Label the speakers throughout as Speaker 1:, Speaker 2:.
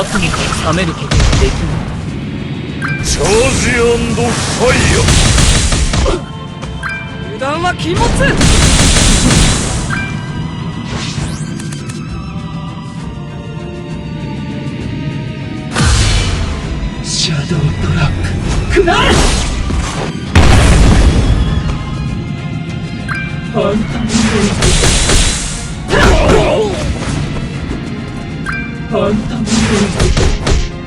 Speaker 1: 圧にか冷めることができない。
Speaker 2: チャージ&ファイヤー。
Speaker 3: 油断は禁物。
Speaker 1: シャドウトラップくらえ。ファンタムレイズファンタムレイズ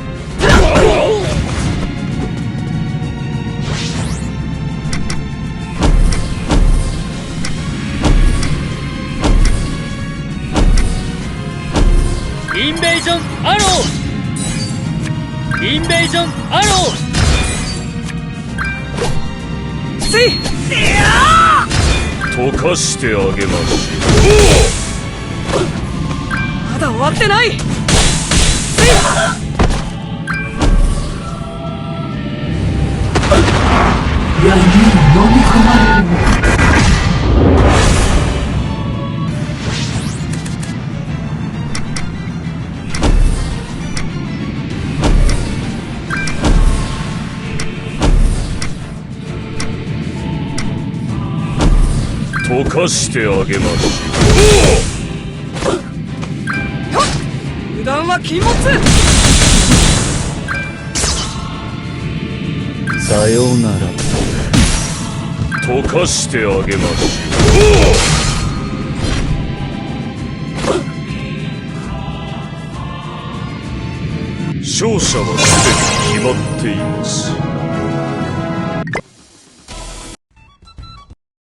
Speaker 3: インベージョンアロー。インベージョンアロー。せい。
Speaker 2: 溶かしてあげましょ
Speaker 3: まだ終わってない。せい。
Speaker 1: 闇に飲み込まれる。
Speaker 2: う。溶かしてあげまし
Speaker 3: 油断は禁物。
Speaker 1: さようなら。
Speaker 2: ょう。溶かしてあげましょう。勝者はすでに決まっています。